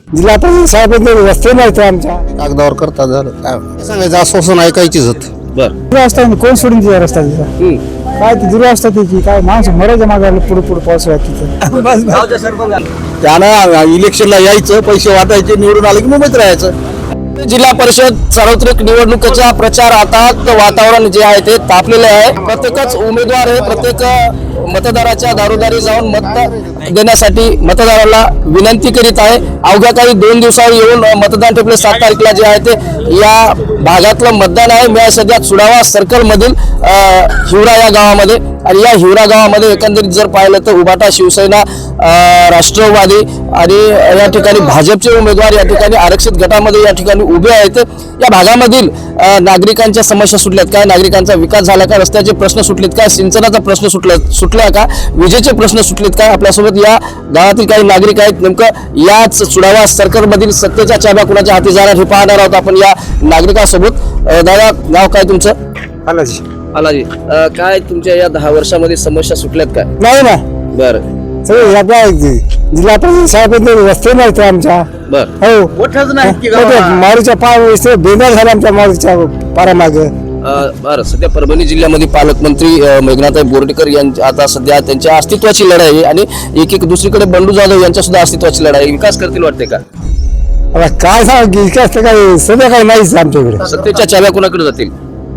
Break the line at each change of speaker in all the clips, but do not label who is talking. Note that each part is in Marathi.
जिल्हा परिषद साहेबांचे रस्ते नाहीत आमच्या
कागदावर करता झालं काय सांगायचं आश्वासन ऐकायचीच होत.
बर
दुरावस्था कोण सोडून तिचा रस्ता तिचा काय ती दुरावस्था त्याची काय माणसं मरायच्या मागायला पुढे पुढे पावसाळ्यात तिथं बस बस.
त्यानं इलेक्शनला यायचं, पैसे वाटायचे, निवडून आले की मुंबईत राहायचं.
जिल्हा परिषद सार्वत्रिक निवडणुकीचा प्रचार आता वातावरण जे आहे ते तापलेले आहे. प्रत्येकच उमेदवार हे प्रत्येक मतदाराच्या दारोदारी जाऊन मत देण्यासाठी मतदाराला विनंती करीत आहे. अवघ्या काही 2 दिवसावर येऊन मतदान ठेवले. 7 तारखेला जे आहे ते या भागातलं मतदान आहे. मी सध्या चुडावा सर्कल मधील हिवरा या गावामध्ये, आणि या हिवरा गावामध्ये एकंदरीत जर पाहिलं तर उभाटा, शिवसेना, राष्ट्रवादी आणि या ठिकाणी भाजपचे उमेदवार या ठिकाणी आरक्षित गटामध्ये या ठिकाणी उभे आहेत. या भागामधील नागरिकांच्या समस्या सुटल्यात काय, नागरिकांचा विकास झाला का, रस्त्याचे प्रश्न सुटलेत काय, सिंचनाचा प्रश्न सुटला का, विजेचे प्रश्न सुटलेत काय. आपल्यासोबत या गावातील काही नागरिक आहेत. नेमकं याच चुडावा सर्कल मधील सत्तेच्या चाब्या कुणाच्या हाती जाणार हे पाहणार आहोत आपण या नागरिकांसोबत. दादा, नाव काय तुमचं?
आलाजी
आलाजी. काय तुमच्या या 10 वर्षामध्ये समस्या सुटल्यात काय?
नाही ना
बरं
सगळे जिल्हा परिषद साहेबांचे रस्ते नाहीत आमच्या.
बरं.
हो मारूच्या पाय बेजार झाला आमच्या मारूच्या पारामागे.
बरं, सध्या परभणी जिल्ह्यामध्ये पालकमंत्री मेघनाताई बोर्डीकर यांची आता सध्या त्यांच्या अस्तित्वाची लढाई आहे, आणि एक दुसरीकडे बंडू जाधव यांच्या सुद्धा अस्तित्वाची लढाई आहे. विकास करतील वाटते का?
आता काय सांग विकास तर काही सध्या काही नाहीच आमच्याकडे.
सत्तेच्या चाब्या कोणाकडे जातील?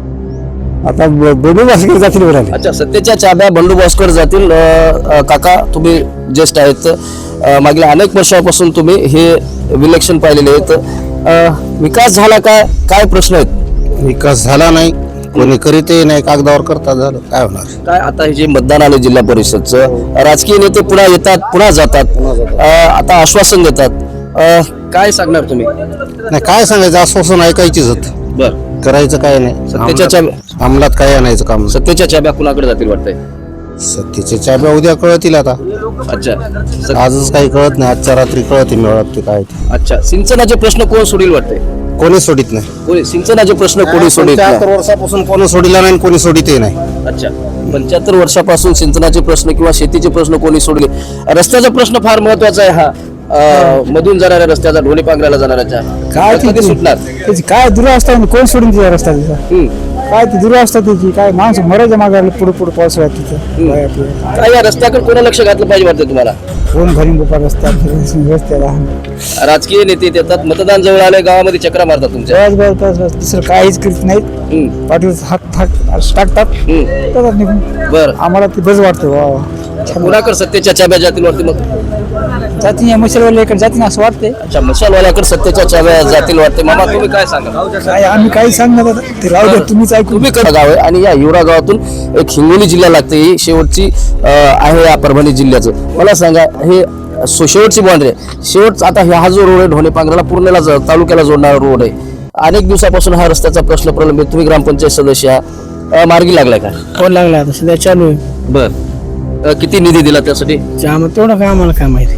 आता बोलून असं जातील बरं.
अच्छा, सत्तेच्या चाब्या बंडोबस्तकडे जातील. काका, तुम्ही ज्येष्ठ आहेत, मागील अनेक वर्षापासून तुम्ही हे विलक्षण पाहिलेले आहेत. विकास झाला काय, काय प्रश्न आहेत?
विकास झाला नाही, कोणी करीतही नाही, कागदावर करता झालं काय होणार.
काय आता हे जे मतदान आले जिल्हा परिषदचं, राजकीय नेते पुन्हा येतात, पुन्हा जातात, आता आश्वासन देतात. काय सांगणार तुम्ही?
नाही काय सांगायचं आश्वासन ऐकायचीच होत.
बर,
करायचं काय नाही.
सत्तेच्या चाब्या
अंमलात काय आणायचं काम.
सत्तेच्या चाब्या कुणाकडे जातील वाटतंय?
सत्तेच्या चाब्या उद्या कळतील. आता
अच्छा,
आजच काही कळत नाही, आजच्या रात्री कळतील मिळत ते काय ते.
अच्छा. सिंचनाचे प्रश्न कोण सोडील वाटतंय?
कोणी सोडित नाही.
कोणी सिंचनाचे प्रश्न कोणी सोडित नाही?
75 वर्षापासून कोणी सोडिला नाही, कोणी सोडितही नाही.
अच्छा, 75 वर्षापासून सिंचनाचे प्रश्न किंवा शेतीचे प्रश्न कोणी सोडले? रस्त्याचा प्रश्न फार महत्वाचा आहे. हा मधून जाणाऱ्या रस्त्याचा, ढोली पांघराला जाणाऱ्याच्या
काय
कधी सुटणार?
त्याची काय दुरावस्था कोण सोडून तिचा रस्ता तिचा काय ती दुरावस्था त्याची काय माणसं मरायच्या मागायला पुढे पुढे पावसाळ्यात तिथं.
काय या रस्त्याकडे कोणा लक्ष घातलं पाहिजे वाटतं तुम्हाला?
कोण भरीन गोपा रस्ता रस्त्याला.
राजकीय नेते येतात, मतदान जवळ आले गावामध्ये चक्रा मारतात तुमच्या.
बस दुसरं काहीच करीत नाहीत. पाठीवर हाक टाकतात निघून.
बरं,
आम्हाला ते बस वाटतं वा
कुणाकडे सत्तेच्या चाब्या जातील वाटते मग?
जाती मशालवाल्याकडे जातील असं वाटते.
अच्छा, मशालवाल्याकडे सत्तेच्या चाब्या जातील वाटते. मामा, तुम्ही काय सांगा?
काय आम्ही काही सांगणार ते राहू द्या, तुम्हीच ऐकून.
तुम्ही गाव आहे, आणि या हिवरा गावातून एक हिंगोली जिल्हा लागते. ही शेवटची आहे या परभणी जिल्ह्याचं. मला सांगा, हे शेवटची बाउंड्री आहे. शेवट आता हा जो रोड आहे ढोणे पांघराला पूर्णला तालुक्याला जोडणारा रोड आहे. अनेक दिवसापासून हा रस्त्याचा प्रश्न प्रलंबित. तुम्ही ग्रामपंचायत सदस्य मार्गी लागलाय का?
फोन लागला आता सध्या चालू आहे.
बर, किती निधी दिला त्यासाठी?
तेवढं काय आम्हाला काय माहिती.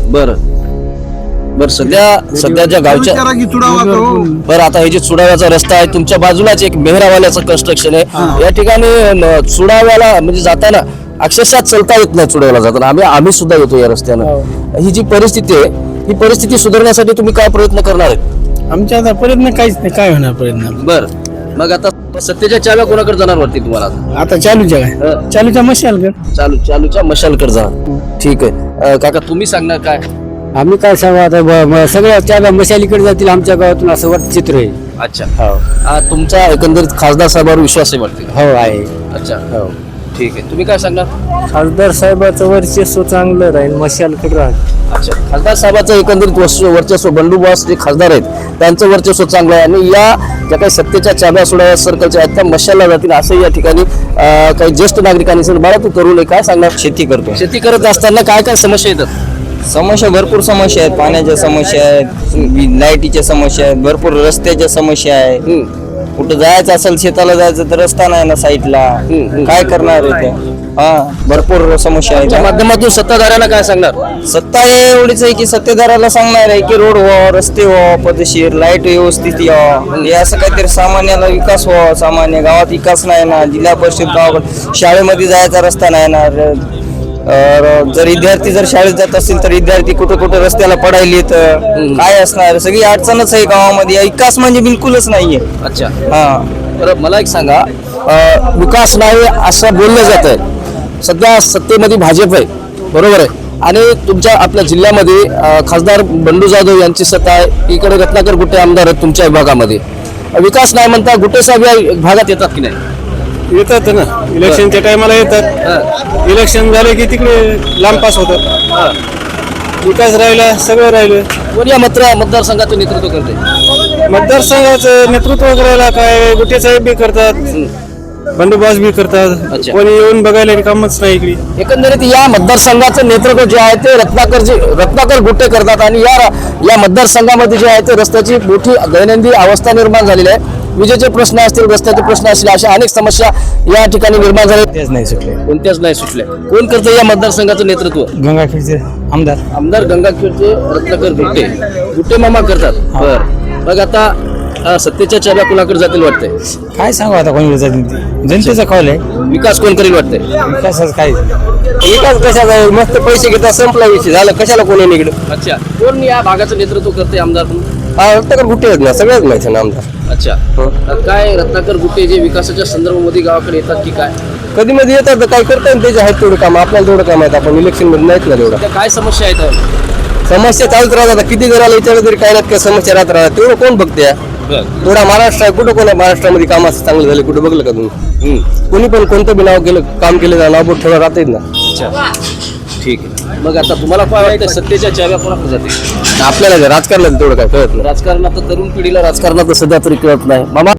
बरं, सध्याच्या गावच्या बरं, आता हे जे चुडाव्याचा रस्ता आहे तुमच्या बाजूलाच एक मेहरावाल्याचं कन्स्ट्रक्शन आहे. या ठिकाणी चुडाव्याला म्हणजे जाताना अक्षरशः चलता येत नाही. चुडाव्याला जाताना आम्ही सुद्धा येतो या रस्त्यानं. ही जी परिस्थिती आहे, ही परिस्थिती सुधारण्यासाठी तुम्ही काय प्रयत्न करणार आहेत?
आमच्या आता प्रयत्न काहीच नाही. काय होणार प्रयत्न?
बरं, मग आता सत्तेच्या चाव्या कोणाकडे जाणार वाटते तुम्हाला?
आता चालूच्या काय चालूच्या मशाल
चालूच्या मशालकडे जाणार. ठीक आहे. काका, तुम्ही सांगणार काय?
आम्ही काय सांगू आता सगळ्या चाव्या मशालीकडे जातील आमच्या गावातून असं वाटत चित्र आहे.
अच्छा, तुमचा एकंदरीत खासदार साहेबांवर विश्वास आहे वाटते?
हो आहे.
अच्छा, हो, ठीक आहे. तुम्ही काय सांगणार?
खासदार साहेबाचं वर्चस्व चांगलं राहील, मशालकडे राहील.
अच्छा, खासदार साहेबाचं एकंदरीत वर्चस्व, बंडोबस्त जे खासदार आहेत त्यांचं वर्चस्व चांगलं आहे, आणि या ज्या काही सत्तेच्या चाब्या सोडाव्या सर्कलच्या आहेत त्या मशालला जातील असं या ठिकाणी काही ज्येष्ठ नागरिकांनी सांगितलं. बाळा, तू तरुण आहे, काय सांगणार?
शेती करतो.
शेती करत असताना काय काय समस्या येतात?
समस्या भरपूर समस्या आहेत. पाण्याच्या समस्या आहेत, लाईटीच्या समस्या आहेत, भरपूर रस्त्याच्या समस्या आहेत. कुठं जायचं असेल, शेताला जायचं तर रस्ता नाही ना साईडला. काय करणार आहे ते? भरपूर समस्या आहेत.
माध्यमातून सत्ताधाऱ्यांना काय सांगणार?
सत्ता एवढीच आहे की सत्तेदाराला सांगणार आहे की रोड व्हावं, रस्ते व्हावं, पद्धतशीर लाईट व्यवस्थित यावं, हे असं काहीतरी सामान्याला विकास व्हावा. सामान्य गावात विकास नाही ना, जिल्हा परिषद गावाकडे शाळेमध्ये जायचा रस्ता नाही ना, जर विद्यार्थी जर शाळेत जात असतील तर विद्यार्थी कुठं कुठं रस्त्याला पडायले तर काय असणार, सगळी अडचणच आहे गावामध्ये. विकास म्हणजे बिलकुलच नाहीये.
अच्छा,
हा.
तर मला एक सांगा, विकास नाही असं बोललं जात आहे. सध्या सत्तेमध्ये भाजप आहे, बरोबर आहे, आणि तुमच्या आपल्या जिल्ह्यामध्ये खासदार बंडू जाधव यांची सत्ता आहे. इकडे रत्नाकर गुट्टे आमदार आहेत तुमच्या विभागामध्ये. विकास नाही म्हणता, गुट्टे साहेब या भागात येतात की नाही?
येतात ना, इलेक्शनच्या टायमाला येतात. इलेक्शन झाले की तिकडे लांब पास होतात. विकास राहिला, सगळं राहिलं.
कोण या मतदारसंघाचं नेतृत्व करते?
मतदारसंघाचं नेतृत्व करायला काय गुट्टे साहेब बी करतात, बंडोबस्त बी करतात.
अच्छा.
कोणी येऊन बघायला कामच नाही इकडे.
एकंदरीत या मतदारसंघाचं नेतृत्व जे आहे ते रत्नाकर गुट्टे करतात, आणि या मतदारसंघामध्ये जे आहे ते रस्त्याची मोठी दैनंदिन अवस्था निर्माण झालेली आहे. विजेचे प्रश्न असतील, रस्त्याचे प्रश्न असतील, अशा अनेक समस्या या ठिकाणी निर्माण झाल्या.
तेच नाही सुटले.
कोणत्याच नाही सुटल्या. कोण करतं या मतदारसंघाचं नेतृत्व?
गंगाखेडचे आमदार
गंगाखेडचे रत्नाकर गुट्टे मामा करतात. बर, मग आता सत्तेच्या चाव्या कुणाकडे जातील वाटतंय?
काय सांगू आता कोणी जनतेचा कॉल आहे.
विकास कोण करेल वाटतंय?
विकासाचं काय
विकास कशाचा आहे? मस्त पैसे घेतात, संपला विषय झाला. कशाला कोणी निघलं?
अच्छा, कोण या भागाचं नेतृत्व करते आमदार म्हणून?
रत्नाकर गुट्टे आहेत ना, सगळ्याच माहिती ना आमदार.
अच्छा, तर काय रत्नाकर गुट्टे जे विकासाच्या संदर्भामध्ये गावाकडे येतात की काय?
कधी मध्ये येतात तर काय करतात, त्याचे आहेत तेवढं काम. आपल्याला तेवढं काम आहेत, आपण इलेक्शन मध्ये नाहीत ना तेवढं.
त्या काय समस्या आहेत?
समस्या चालूच राहतात. किती घराला विचारलं तरी काय नाही काय समस्या राहत राहतात. तेवढं कोण बघते? थोडा महाराष्ट्र आहे, कुठं कोण आहे महाराष्ट्रामध्ये काम असं चांगलं झालं? कुठं बघलं का तुम्ही? कोणी पण कोणतं बी नाव केलं, काम केलं तर नाव बोट ठेवलं राहतात ना.
अच्छा, ठीक आहे. मग आता तुम्हाला काय वाटतं, सत्तेच्या चाव्या कोणाकडे जातील?
आपल्याला राजकारणात तेवढं काय कळत नाही.
राजकारणात तर तरुण पिढीला राजकारणात सध्या तरी कळत नाही. मामा